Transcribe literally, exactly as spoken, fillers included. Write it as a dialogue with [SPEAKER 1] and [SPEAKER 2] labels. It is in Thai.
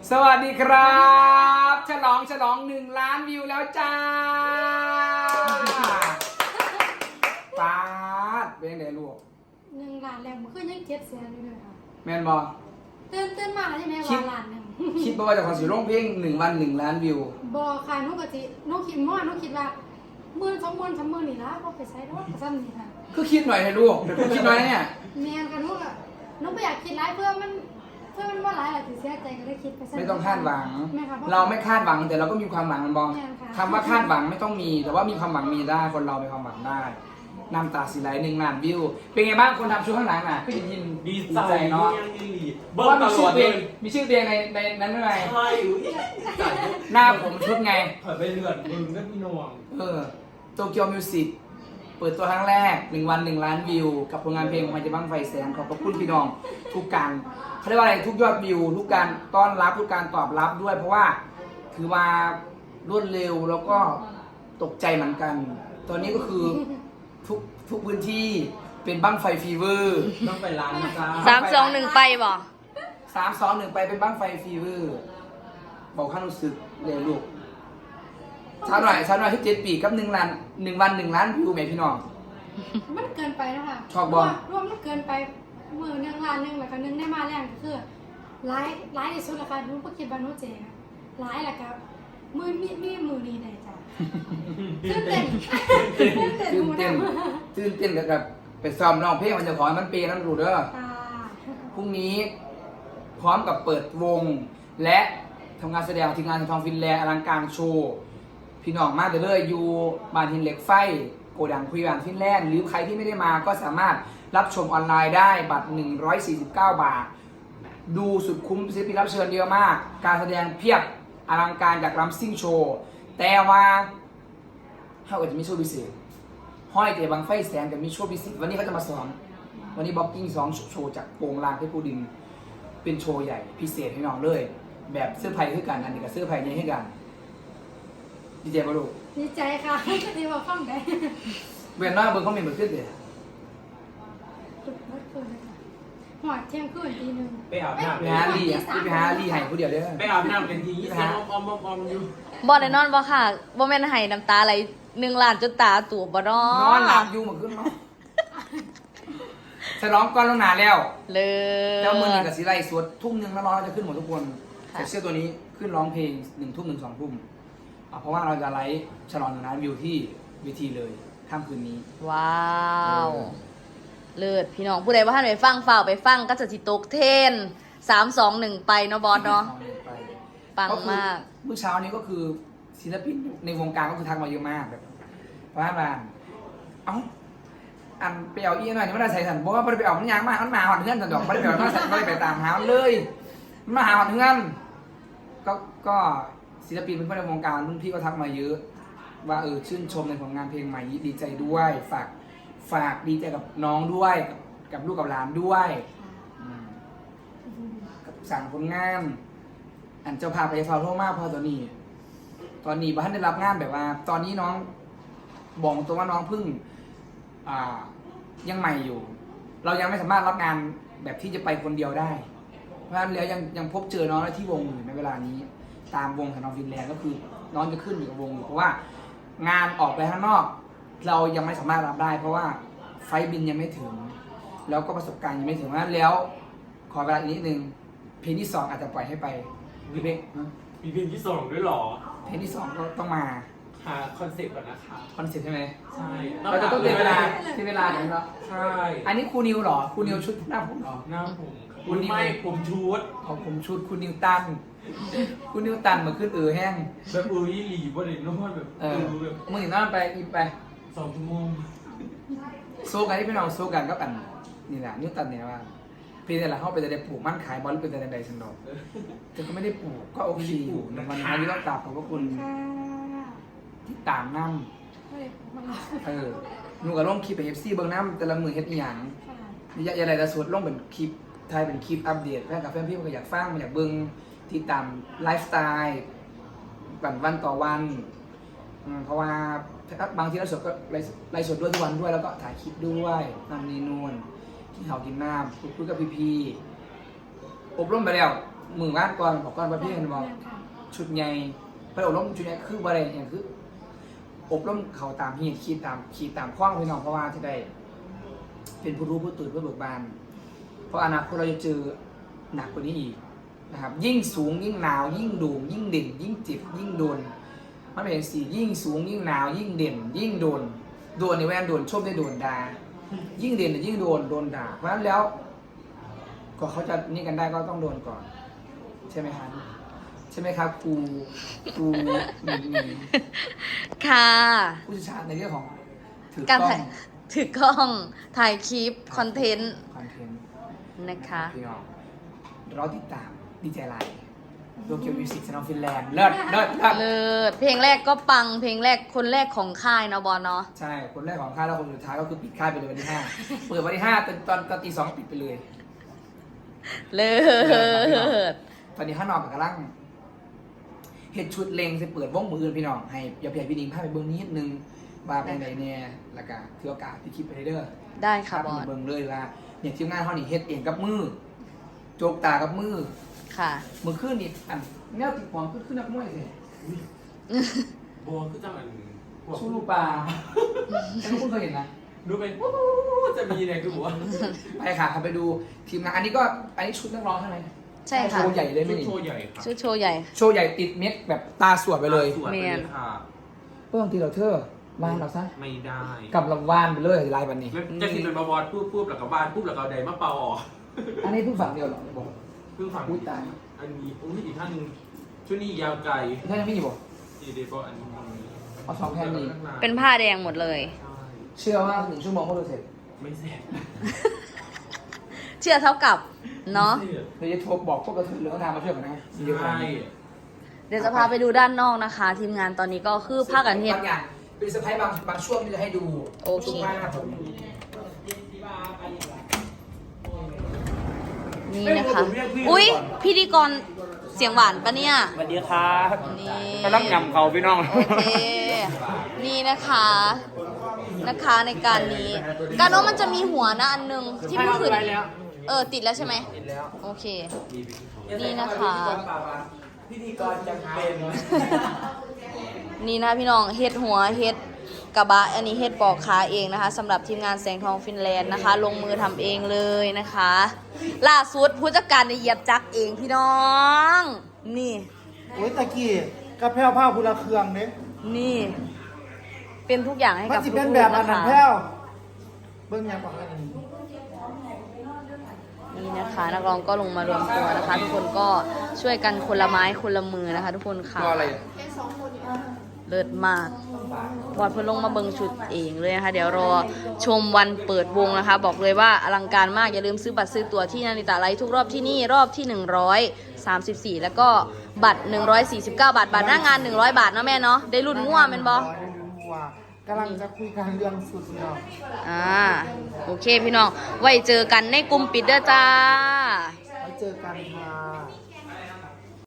[SPEAKER 1] สวัสดีครับฉลองฉลองหนึ่งล้านวิวแล้วจ้าปาดเป็นยังไงลูก
[SPEAKER 2] หนึ่งล้านแล้วมันคือยังเจ็ดแสนอยู่เลยค่ะ
[SPEAKER 1] แมนบอ
[SPEAKER 2] ตื่นตื่นมาแล้วใช่ไหมว่าล้านหนึ่ง
[SPEAKER 1] คิดว่าจะขอสิร้องเพลงหนึ่งวันหนึ่งล้านวิว
[SPEAKER 2] บอค่ะนุกกะจินุกคิดมั่วนุกคิดว่าหมื่นสองหมื่นสามหมื่นนี่ละก็ไปใช้ด้วยซ้ำนี่ค่ะ
[SPEAKER 1] คือคิดหน่อยให้ลูกแต่คุณคิดน้อยเนี่ย
[SPEAKER 2] แม่ค่ะนุกอะนุกไม่อยากคิดร้ายเพื่อมันเพื่อมันว่าร้ายแหละถึงเสียใจก็ได้คิดไปซะ
[SPEAKER 1] ไม่ต้องคาดหวัง
[SPEAKER 2] แม่ค่ะพะ
[SPEAKER 1] เราไม่คาดหวังแต่เราก็มีความหวังมันบอง
[SPEAKER 2] แม่ค่ะ
[SPEAKER 1] คำว่าคาดหวังไม่ต้องมี แต่ว่ามีความหวังมีได้คนเรามีความหวังได้น้ำตาสีไหลหนึ่งล้านวิวเป็นไงบ้างคนทำชุดข้างหลังน่ะพี่ยิน
[SPEAKER 3] ดีใจ
[SPEAKER 1] เนาะ
[SPEAKER 3] ยังดี
[SPEAKER 1] เพ
[SPEAKER 3] เบิ้
[SPEAKER 1] ราะ
[SPEAKER 3] ล
[SPEAKER 1] ว่า
[SPEAKER 3] ต
[SPEAKER 1] มี
[SPEAKER 3] ล
[SPEAKER 1] ชื่
[SPEAKER 3] อ
[SPEAKER 1] อ
[SPEAKER 3] ด
[SPEAKER 1] เพล
[SPEAKER 3] เล
[SPEAKER 1] ง
[SPEAKER 3] ย
[SPEAKER 1] มีชื่อเพลงในในนั้นด้วยไง
[SPEAKER 3] ใช่อุ้ย
[SPEAKER 1] หน้าผมชุดไง
[SPEAKER 3] เผยไปเลือดมึงก็พี่นวง
[SPEAKER 1] เออโตเกียวมิวสิกเปิดตัวครั้งแรกหนึ่งวันหนึ่งล้านวิว กับผลงานเพลงของมันจะบ้างไฟแสนขอบพระคุณพี่น้องทุกการเขาเรียกว่าอะไรทุกยอดวิว ทุกการต้อนรับทุกการตอบรับด้วย เพราะว่าถือว่ารวดเร็วแล้วก็ตกใจเหมือนกัน ตอนนี้ก็คือทุกทุกพื้นที่เป็นบ้างไฟฟีเวอร์
[SPEAKER 3] ต้องไปร้านนะจ๊ะ
[SPEAKER 4] สามสองหนึ่งไปบ่
[SPEAKER 1] สามสองหนึ่งไปเป็นบ้างไฟฟีเวอร์บอกข้ารู้สึกเลยลูกเช้าหน่อยเช้าหน่อยที่เจ็ดปีกับหนึ่งล้านหนึ่งวันหนึ่งล้านวิวไหมพี่น้อง
[SPEAKER 2] มันเกินไปนะคะ
[SPEAKER 1] ชอบบอล
[SPEAKER 2] รวมมันเกินไปมือหนึ่งล้านหนึ่งแล้วก็หนึ่งได้มาแรงก็คือร้ายร้ายที่สุดแล้วค่ะนุกก็คิดว่านุกเจ๋งร้ายแหละครับมือมีมีมือนี้ได้จ้ะตื่นเต้นตื่นเต้น
[SPEAKER 1] ตื่น
[SPEAKER 2] หมู
[SPEAKER 1] เต้น
[SPEAKER 2] ดำ
[SPEAKER 1] ตื่นเต้นกับกับไปซ้อมร้องเพลงมันจะขอให้มันเปย์นั่นรู้เด้อ
[SPEAKER 2] ค่ะ
[SPEAKER 1] พรุ่งนี้พร้อมกับเปิดวง และทำงานแสดงทีมงานทองฟินแลนด์อลังการโชว์พี่น้องมาเด้อเลยอยู่บ้านหินเหล็กไฟโกดังคุยบานฟินแลนด์หรือใครที่ไม่ได้มาก็สามารถรับชมออนไลน์ได้บัตรหนึ่งร้อยสี่สิบเก้าบาท ดูสุดคุ้มศิลปินรับเชิญเยอะมาก การแสดงเพียบอลังการจากรัมซิ่งโชว์แต่ว่าเขาก็จะมีโชว์พิเศษห้อยเตะบางไฟแสงกับมีโชว์พิเศษวันนี้เขาจะมาสอนวันนี้บ็อกกิ้งสองโชว์จากโป่งลางเพชรปูดินเป็นโชว์ใหญ่พิเศษให้น้องเลย แบบเสื้อไผ่คือกันอันนี้กับเสื้อไผ่นี้ให้กันดีเจมาลูก
[SPEAKER 2] ดีใจค่ะที่ว่าฟังได้
[SPEAKER 1] เวียนหน้าเบอร์เขาเป็นเบอร์ขึ้นเลย
[SPEAKER 2] หอดเที่ยงคืนตีหนึ่ง
[SPEAKER 3] ไปอาบน้ำ
[SPEAKER 1] ไปหาลีอ่ะไปหาลีให้ผู้เดียวเด้อ
[SPEAKER 3] ไปอาบน้ำเป็นทีเสียงอมอมอมอยู่
[SPEAKER 4] บ่ได้นอนบ่ค่ะบ่แม่นให้น้ำตาไหลหนึ่งล้านจนตาตูบบ่นอน
[SPEAKER 1] อนหลับอยู่เหมือนขึ้นเนาะฉลองก่อนลงหนาแล้ว
[SPEAKER 4] เลย
[SPEAKER 1] แล้วมือหนึ่งกับสีไรสวดทุ่มหนึ่งแล้วร้องจะขึ้นหมดทุกคนใส่เสื้อตัวนี้ขึ้นร้องเพลงหนึ่งทุ่มหนึ่งสองทุ่มอ่ะเพราะว่าเราจะไลฟ์ฉลองหนึ่งล้านวิวที่เวทีเลยค่ำคืนนี้
[SPEAKER 4] ว้าว
[SPEAKER 1] เออ
[SPEAKER 4] เลิศพี่น้องผู้ใดว่าท่านไปฟังฝ่าวไปฟังก็จะสิตกเทรนสามสองหนึ่งไปเนาะบอสเนาะ
[SPEAKER 1] ไป
[SPEAKER 4] ปังมาก
[SPEAKER 1] เมื่อเช้านี้ก็คือศิลปินในวงการก็คือทักมาเยอะมากแบบว่าบ้านเอ้าอันไปเอาอีหน่อยนี่ไม่ได้ใส่สันบอกว่าไม่ได้ไปเอามันยางมากมันมาหอดเงื่อนสันดอกไม่ได้ไปเอามันไม่ได้ไปตามหามันเลยมันมาหาหอดเงื่อนก็ก็ศิลปินเป็นคนในวงการรุ่นพี่ก็ทักมาเยอะ ว่าเออชื่นชมในผลงานเพลงใหม่ดีใจด้วยฝากฝากดีใจกับน้องด้วยกับกับลูกกับหลานด้วยอืมกับสั่งผลงาน อันเจ้าพาไปฟาวโทมากพอตอนนี้ ตอนนี้บ้านได้รับงานแบบว่า ตอนนี้น้องบอกตัวว่าน้องเพิ่งอ่ายังใหม่อยู่ เรายังไม่สามารถรับงานแบบที่จะไปคนเดียวได้ เพราะฉะนั้นแล้วยังยังพบเจอน้องได้ที่วงอยู่ในเวลานี้ ตามวงของน้องฟินแลนด์ก็คือ น้องจะขึ้นอยู่กับวงอยู่เพราะว่างานออกไปข้างนอก เรายังไม่สามารถรับได้ เพราะว่าไฟล์บินยังไม่ถึง แล้วก็ประสบการณ์ยังไม่ถึงเพราะฉะนั้นแล้ว ขอเวลาอีกนิดนึงเพลงที่สองอาจจะปล่อยให้ไปหรือเพลง
[SPEAKER 3] มีเพลงที่สองด้วยหรอ
[SPEAKER 1] เพลงที่สองก็ต้องมา
[SPEAKER 3] หาคอนเซ็ปต์ก่อนนะคะ
[SPEAKER 1] คอนเซ็ปต์ใช่ไหม
[SPEAKER 3] ใช่
[SPEAKER 1] เราจะต้องเตรียมเวลาเตรียมเวลาอย่างนี้เนาะ
[SPEAKER 3] ใช่
[SPEAKER 1] อันนี้ครูนิวเหรอครูนิวชุดหน้าผมเหรอ
[SPEAKER 3] หน้าผมคุณไม่ผมชุด
[SPEAKER 1] ของผมชุดครูนิวตันครูนิวตันมาขึ้นเออแห้ง
[SPEAKER 3] แบบเออยี่หลีบ่ได้นอนแบบ
[SPEAKER 1] เอ
[SPEAKER 3] เอ
[SPEAKER 1] อ
[SPEAKER 3] อแบบ
[SPEAKER 1] มึงเห็นน้าไปอีไป
[SPEAKER 3] สองชั่วโมง
[SPEAKER 1] โซกันที่พี่น้องโซกันก็กันนี่แหละนิวตันเนี่ยว่าเพลงแต่ละเข้าไปจะได้ปลูกมั่นขายบอลเป็นแต่ใดสันดอกแต่ก็ไม่ได้ปลูกก็โอเคอยู่ในวันนี้ที่ต้องกราบขอบพระคุณ
[SPEAKER 2] ค่ะ
[SPEAKER 1] ที่ตามน้ำ
[SPEAKER 2] ไม่ได้มา
[SPEAKER 1] เออหนูกับลงคลิปไปเอฟซีเบิ้งน้ำแต่ละมือเฮ็ดอีหยัง
[SPEAKER 2] ค่ะ
[SPEAKER 1] อย่าอย่าอะไรแต่สวดลงเป็นคลิปไทยเป็นคลิปอัปเดตแฟนกับแฟนพี่มันก็อยากฟังมันอยากเบิ้งที่ตามไลฟ์สไตล์วันวันต่อวันอืมเพราะว่าบางทีเราสดก็ไลฟ์ไลฟ์สดด้วยทุกวันด้วยแล้วก็ถ่ายคลิปด้วยนั่นนี่นู่นกินข้าวกินน้ำคุยคุยกับพี่ๆอบรมไปแล้วมือบ้านก่อนบอกก่อนว่าพี่เห็นบอก
[SPEAKER 2] แม่นค่ะ
[SPEAKER 1] ชุดใหญ่ไปอบรมชุดใหญ่คือบริเวณอย่างคือ อบรมเขาตามเหตุขีดตามขีดตามข้องพี่น้องเพราะว่าที่ได้ เป็นผู้รู้ผู้ตื่นผู้เบิกบาน เพราะอนาคตเราจะเจอหนักกว่านี้อีกนะครับ ยิ่งสูงยิ่งหนาว ยิ่งโด่งยิ่งเด่น ยิ่งเจ็บยิ่งโดนมันเป็นสี่ยิ่งสูงยิ่งหนาว ยิ่งเด่น ยิ่งโดนโดนในแว่นโดนชมได้โดนด่ายิ่งเด่นยิ่งโดนโดนด่าเพราะฉะนั้นแล้วก็เขาจะนี่กันได้ก็ต้องโดนก่อน ใช่ไหมครับใช่ไหมครับครูครูหนึ่งหนึ่ง
[SPEAKER 4] ค่ะ
[SPEAKER 1] ผู้เชี่ยวชาญในเรื่องของถือ
[SPEAKER 4] การ
[SPEAKER 1] กล้อ
[SPEAKER 4] ถ่าง ยถือกล้องถ่ายคลิป คอนเทนต์
[SPEAKER 1] คอนเทนต์
[SPEAKER 4] นะคะ
[SPEAKER 1] พี่น้องเราติดตามดีใจไลน์โลเกียวมิวสิกชนอลฟินแลนด์เลิศเลิศเลิศ
[SPEAKER 4] เลิศเพลงแรกก็ปัง เพลงแรกคนแรกของค่ายเนาะบอลเนาะ
[SPEAKER 1] ใช่ คนแรกของค่ายแล้วคนสุดท้ายก็คือปิดค่ายไปเลยวันที่ห้าเปิดวันที่ห้าตอนตอนตอนตีสองก็ปิดไปเลย
[SPEAKER 4] เลิศ
[SPEAKER 1] ตอนนี้ข้างนอกกับกำลังเห็ดชุดเลงจะเปิดวงมืออื่นพี่น้องให้อย่าเพียพี่ดิงพาไปเบิ้งนิดนึงว่าเป็นไงเนี่ยแล้วก็ถือโอกาสที่คลิปไปเรื่อย
[SPEAKER 4] ได้ค่ะ
[SPEAKER 1] พา
[SPEAKER 4] บอ
[SPEAKER 1] ไป
[SPEAKER 4] ล
[SPEAKER 1] เบิ้งเลยว่าเนี่ยทีมงานเขานี่เฮ็ดเองกับมือโจกตากับมือ
[SPEAKER 4] ค่ะ
[SPEAKER 1] มือขึ้นนี่อันแนวติดความขึ้นขึ้นนักมวยสิ
[SPEAKER 3] บอคือจังอันพวก
[SPEAKER 1] ชูรูปลาไม่รู้คุณเคยเห็นนะ
[SPEAKER 3] ดูเป็นวู้จะมีเนี่ยคือบอกว่า
[SPEAKER 1] ไปค่ะไปดูทีมงานอันนี้ก็อันนี้ชุดนักร้องใช่ไหม
[SPEAKER 4] ใช่ค่ะ
[SPEAKER 1] โชว์ใหญ่เลยไหม
[SPEAKER 3] ชุด
[SPEAKER 1] นี่
[SPEAKER 3] โชว์ใหญ่ค่ะ
[SPEAKER 4] ชุดโชว์ใหญ่
[SPEAKER 1] โชว์ใหญ่ติดเม็ดแบบตาสวดไปเลย
[SPEAKER 3] สวยไปเลยค่ะ
[SPEAKER 1] เพื่อนทีเราเธอวานเราซะ
[SPEAKER 3] ไม่ได้
[SPEAKER 1] กับลำวานไปเลยลายบันนี้
[SPEAKER 3] แล้วจะกินเป็นบวรปุ๊บปุ๊บแล้วก็บ้านปุ๊บแล้วก็ไดมาเป่าออก
[SPEAKER 1] อันนี้เพิ่งฝั่งเดียวเหรอบอก
[SPEAKER 3] เพิ่งฟัง
[SPEAKER 1] อุ๊ยตาย
[SPEAKER 3] อันนี้อุ้ยอีกท่านหนึงชุดนี้ยาวไกล
[SPEAKER 1] ใช่ยังไม่อยู่บอก
[SPEAKER 3] ดีเดบอันนี้
[SPEAKER 1] เอาสองแผ่นนี้
[SPEAKER 4] เป็นผ้าแดงหมดเลย
[SPEAKER 3] ใช่
[SPEAKER 1] เชื่อว่าหนึ่งชั่วโมงก็จะเสร็จ
[SPEAKER 3] ไม่เสร็จ
[SPEAKER 4] เชื่อเท่ากับ เนาะ
[SPEAKER 1] เดี๋ยวจะโทรบอกพวกกระเทยเหลืองทางมาช่วยกันนะเดี๋ยว
[SPEAKER 3] ใช่
[SPEAKER 4] เดี๋ยวจะพาไปดูด้านนอกนะคะ ทีมงานตอนนี้ก็คือผ้ากันเฮ็ด
[SPEAKER 1] บางอย่างเป็นเซอร์ไพรส์บางบางช่วงที่จะให้ดู
[SPEAKER 4] โอเค
[SPEAKER 1] ทุกภาพผม
[SPEAKER 4] นี่นะคะ อุ๊ย พิธีกรเสียงหวานปะเนี่ย
[SPEAKER 5] สวัสดีครับ
[SPEAKER 4] นี่
[SPEAKER 5] กำลังยำเขาพี่น้อง
[SPEAKER 4] โอเค นี่นะคะ นะคะในการนี้ การโน้มันจะมีหัวนะอันหนึงที่เพิ่งขึ้นเออ ติดแล้วใช่ไหม
[SPEAKER 1] ติดแล้ว
[SPEAKER 4] โอเค นี่นะคะ
[SPEAKER 1] พิธีกรจำเป็น
[SPEAKER 4] นี่นะพี่น้องเฮ็ดหัวเฮ็ดกระบะอันนี้เฮ็ดปอกขาเองนะคะสำหรับทีมงานแสงทองฟินแลนด์นะคะ ลงมือทำเองเลยนะคะ ล่าสุดผู้จัดการได้เหยียบจักรเองพี่น้อง นี่
[SPEAKER 6] โอ้ยตะกี้กระเพราผ้าพุละเครื่องเด้
[SPEAKER 4] นี่ เป็นทุกอย่างให้
[SPEAKER 6] มัน
[SPEAKER 4] กับ
[SPEAKER 6] สิ
[SPEAKER 4] ลู
[SPEAKER 6] เป็น
[SPEAKER 4] ก
[SPEAKER 6] แบบ
[SPEAKER 4] ๆ
[SPEAKER 6] อัน
[SPEAKER 4] นะ
[SPEAKER 6] นั้น
[SPEAKER 4] คะ
[SPEAKER 6] แพ้วเบิ่งยังบอกอันนี้
[SPEAKER 4] นี่นะคะนักร้องก็ลงมารวมตัวนะคะ ทุกคนก็ช่วยกันคนละไม้คนละมือนะคะ ทุกคนค่ะ
[SPEAKER 1] ตัวอะไร
[SPEAKER 4] เลิศมากบอดเพิ่นลงมาเบิงชุดเองเลยนะคะ เดี๋ยวรอชมวันเปิดวงนะคะ บอกเลยว่าอลังการมาก อย่าลืมซื้อบัตรซื้อตั๋วที่นาริตาไลท์ทุกรอบที่นี่รอบที่ หนึ่งร้อยสามสิบสี่ แล้วก็บัตร หนึ่งร้อยสี่สิบเก้า บาท บัตรหน้างาน หนึ่งร้อย บาทเนาะแม่เนาะ ได้รุ่นง่วแม่นบ่
[SPEAKER 6] ได้รุ่นงัวกำลังจะคุยกันเรื่องสุดเนาะ
[SPEAKER 4] อ่า โอเคพี่น้อง ไว้เจอกันในกลุ่มปิดเด้อจ้า
[SPEAKER 6] ไว้เจอกันครับ